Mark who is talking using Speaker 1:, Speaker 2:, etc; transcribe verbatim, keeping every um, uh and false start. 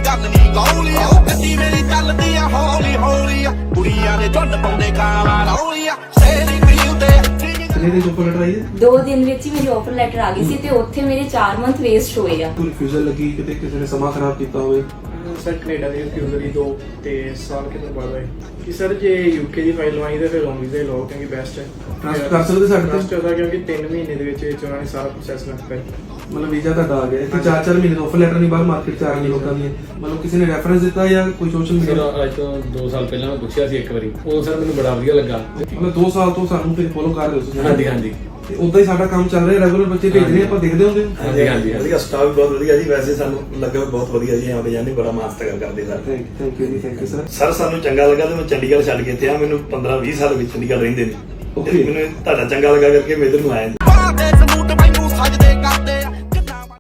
Speaker 1: ਗੱਲ ਨਹੀਂ ਗੌਲੀਆ ਗੱਡੀ ਮੇਰੀ ਚੱਲਦੀ ਆ ਹੌਲੀ ਹੌਲੀ ਆ ਕੁੜੀਆਂ ਦੇ ਝੁੰਡ ਪਾਉਂਦੇ ਕਾਲਾ ਰੌਲੀਆ ਸ਼ੇਰੀ ਪੀਉ ਤੇ
Speaker 2: ਕਿੰਨੇ ਦਿਨ ਉੱਪਰ ਲੈਟਰ ਆਈ ਹੈ?
Speaker 3: ਦੋ ਦਿਨ ਵਿੱਚ ਹੀ ਮੇਰੀ ਆਫਰ ਲੈਟਰ ਆ ਗਈ ਸੀ ਤੇ ਉੱਥੇ ਮੇਰੇ ਚਾਰ ਮੰਥ ਵੇਸਟ ਹੋਏ ਆ।
Speaker 2: ਕੋਈ ਰਿਫਿਊਜ਼ਲ ਲੱਗੀ ਕਿਤੇ ਕਿਸੇ ਨੇ ਸਮਾਂ ਖਰਾਬ ਕੀਤਾ ਹੋਵੇ?
Speaker 4: ਸਰ ਕੈਨੇਡਾ ਦੀ ਰਿਫਿਊਜ਼ਲ ਹੀ ਦੋ ਤੇ ਸਾਲ ਕਿਤੇ ਬਾਅਦ ਆਏ ਕਿ ਸਰ ਜੇ ਯੂਕੇ ਦੀ ਫਾਈਲ ਲਵਾਈ ਤੇ ਫਿਰ ਔਨ ਵੀਜ਼ਾ ਲਓ ਕਿਉਂਕਿ ਬੈਸਟ ਹੈ।
Speaker 2: ਟ੍ਰਾਂਸਫਰ ਕਰ ਸਕਦੇ ਸਾਡੇ
Speaker 4: ਟ੍ਰਾਂਸਫਰ
Speaker 2: ਤੋਂ?
Speaker 4: ਹੋਦਾ ਕਿਉਂਕਿ ਤਿੰਨ ਮਹੀਨੇ ਦੇ ਵਿੱਚ ਵਿੱਚ ਉਹਨਾਂ ਨੇ ਸਾਰਾ ਪ੍ਰੋਸੈਸ ਕਰ ਦਿੱਤਾ।
Speaker 2: ਮਤਲਬ ਵੀਜ਼ਾ ਤੁਹਾਡਾ ਆ ਗਿਆ ਇੱਥੇ ਚਾਰ ਚਾਰ ਮਹੀਨੇ ਦਾ ਆਫਰ ਲੈਟਰ ਨਹੀਂ ਬਾਹਰ ਮਾਰਕੀਟ 'ਚ ਆ ਰਹੀ ਲੋਕਾਂ ਦੀ। ਮਤਲਬ ਕਿਸੇ ਨੇ ਰੈਫਰੈਂਸ ਦਿੱਤਾ ਜਾਂ ਕੋਈ ਸੋਸ਼ਲ
Speaker 5: ਸਰ
Speaker 2: ਮੀਡੀਆ?
Speaker 5: ਅੱਜ ਤੋਂ ਦੋ ਸਾਲ ਪਹਿਲਾਂ ਮੈਂ ਪੁੱਛਿਆ ਸੀ ਇੱਕ ਵਾਰੀ, ਉਹ ਸਰ ਮੈਨੂੰ ਬੜਾ ਵਧੀਆ ਲੱਗਾ।
Speaker 2: ਮਤਲਬ ਦੋ ਸਾਲ ਤੋਂ ਸਾਨੂੰ ਫਿਰ ਫੋਲੋ ਕਰ ਰਹੇ ਹੋ ਤੁਸੀਂ?
Speaker 5: ਹਾਂਜੀ ਹਾਂਜੀ
Speaker 2: ਤੇ ਉਦਾਂ ਹੀ ਸਾਡਾ ਕੰਮ ਚੱਲ ਰਿਹਾ, ਰੈਗੂਲਰ ਬੱਚੇ ਭੇਜਦੇ ਆਪਾਂ ਦੇਖਦੇ ਹੁੰਦੇ ਹਾਂ।
Speaker 5: ਹਾਂਜੀ ਹਾਂਜੀ
Speaker 6: ਵਧੀਆ ਸਟਾਫ ਵੀ ਬਹੁਤ ਵਧੀਆ ਜੀ। ਵੈਸੇ ਸਾਨੂੰ ਲੱਗਾ ਵੀ ਬਹੁਤ ਵਧੀਆ ਜੀ, ਆਉਂਦੇ ਜਾਂਦੇ ਬੜਾ ਮਾਸਤਗਰ ਕਰਦੇ ਸਰ।
Speaker 2: ਥੈਂਕ ਥੈਂਕ ਯੂ ਜੀ, ਥੈਂਕ ਯੂ ਸਰ।
Speaker 6: ਸਰ ਸਾਨੂੰ ਚੰਗਾ ਲੱਗਾ ਤੇ ਮੈਂ ਚੰਡੀਗੜ੍ਹ ਛੱਡ ਕੇ ਇੱਥੇ ਆ। ਮੈਨੂੰ ਪੰਦਰਾਂ ਵੀਹ ਸਾਲ ਵਿੱਚ ਚੰਡੀਗੜ੍ਹ ਰਹਿੰਦੇ ਨੇ।
Speaker 2: Okay.
Speaker 6: ਮੈਨੂੰ ਤੁਹਾਡਾ ਚੰਗਾ ਲੱਗਾ ਕਰਕੇ ਮੈਂ ਇੱਧਰ ਨੂੰ ਆਇਆ ਜੀ।
Speaker 1: ਬਾਦੇ ਸਬੂਤ ਮੈਨੂੰ ਸਜਦੇ ਕਰਦੇ